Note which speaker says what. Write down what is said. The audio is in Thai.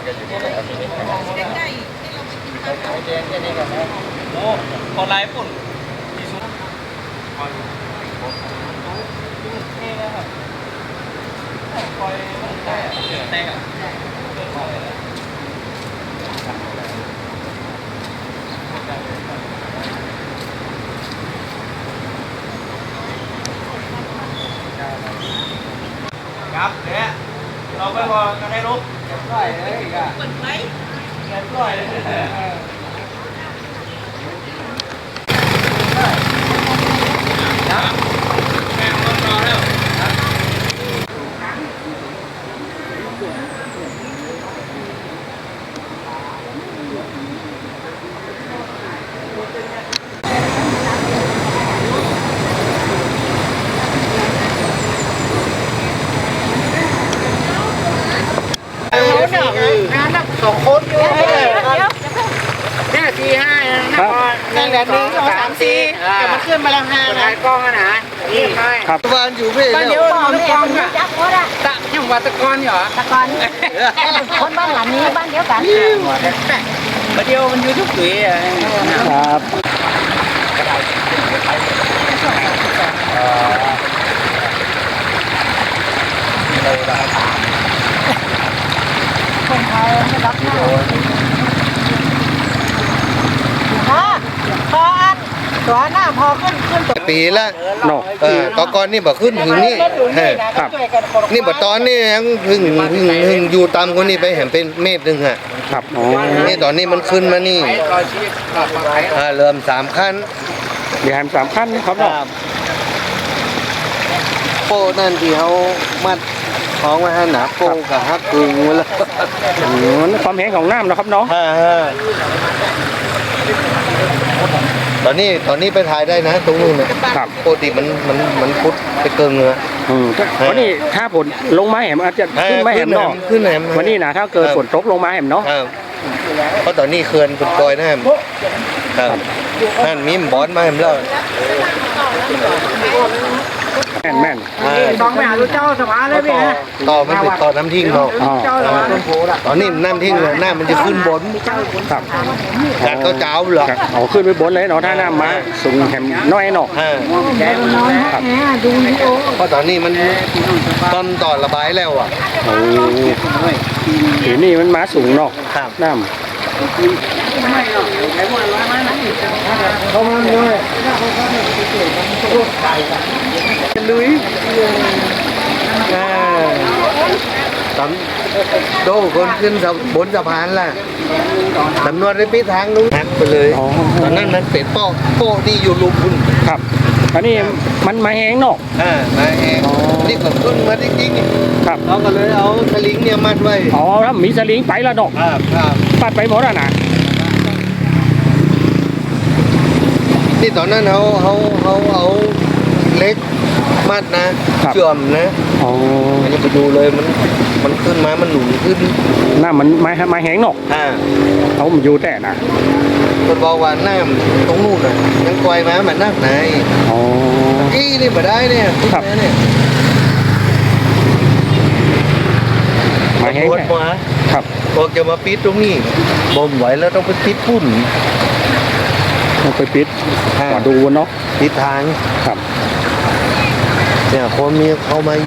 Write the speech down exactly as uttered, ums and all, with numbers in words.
Speaker 1: โอ้คนไล่ปุ่นที่สุดคอยเท่เลยครับคอยมันได้เดือดแตกอ่ะเดือดคอยเลยครับเดี๋ยวเราไปพอกันได้รู้เรียบร้อยเลยอีกอ่ะเปิดไฟเรียบร้อยเลยครับแม่งรอแล้ว
Speaker 2: งานนับสองคนอยู่ห้าสี่ห้านั่นแหละหนึ่งสองสามสี่แต่มันขึ้นมาแล้วห้านะกล้องนะนี่ครับบ้านอยู่พี่บ้านเดียวบ้านกล้องอะตะยังวัดตะกอนเหรอตะกอนคนบ้านหลังนี้บ้านเดียวกันบ้านเดียวมันอยู่ทุกปีครับคนไทยไม่รับหน้าพอพออันตัวหน้าพอขึ้นขึ้นตัว
Speaker 3: ปีละเนาะเออตอนก่อนนี่บ่ขึ้นถึงนี่ครับนี่บ่ตอนนี่ยังถึงถึงถึงอยู่ตามคนนี้ไปเห็นเป็นเมตรนึงอ่ะครับอ๋อนี่ตอนนี้มันขึ้นมานี่อ่าเริ่มสามขั้นเดี๋ยวสามขั้นครับเนาะโป้นั่นที่เขามัดของไว้ให้หนาโป้กับฮักกึ่งไว้แล้วความแห้งของน้ำนะครับเนาะตอนนี้ตอนนี้ไปถ่ายได้นะตรงนู้นนะครับปกติมันมันมันพุดไปเกินเนื้ออืมวันนี้ถ้าฝนลงมาแหมอาจจะขึ้นมาแหมเนาะขึ้นแหมวันนี้นะถ้าเกิดฝนตกลงมาแหมเนาะเพราะตอนนี้เขื่อนปล่อยนะครับนั่นมีบอสมาแหมแล้วแม่นแม่นต้องไปหาลูกเจ้าสมาเลยพี่ฮะต่อมันติดต่อน้ำทิ้งเนาะตอนนี้น้ำทิ้งเลยน้ำมันจะขึ้นบนครับการเขาเจ้าเหรออ๋อขึ้นไปบนเลยเนาะถ้าน้ำมาสูงแหมน้อยเนาะครับเพราะตอนนี้มันตอนต่อระบายแล้วอ่ะโอ้ทีนี่มันมาสูงเนาะน้ำเข้ามาเลยลุยตำโดคนขึ้นบนสะพานล่ะตำรวจได้ปีทางนู้นหักไปเลยตอนนั้นมันเป็ดโป๊ะโป๊ะที่อยู่ลุมคุณครับอันนี้มันมาแห้งเนาะอ่ามาแห้งนี่ก็ขึ้นมาจริงๆครับเราก็เลยเอาสลิงเนี่ยมัดไว้อ๋อแล้วมีสลิงไปแล้วเนาะครับครับปัดไปหมดแล้วนะนี่ตอนนั้นเขาเขาเขาเอาเล็กมัดนะเชื่อมนะอ๋อมันจะไปดูเลยมันมันขึ้นมามันหนุนขึ้นหน้ามันไม้ไม้แห้งเนาะอ่าเขามันอยู่แต่นะคนบอกว่าหน้าตรงนู้นน่ะยังปล่อยมามันนักไหนอ๋ออี้นี่มาได้เนี่ยครับเนี่ยไม้แห้งมาครับพอจะมาปิดตรงนี้บ่มไหวแล้วต้องไปปิดปุ่นต้องไปปิดมาดูเนาะปิดทางครับเนี่ยคนมีเขามา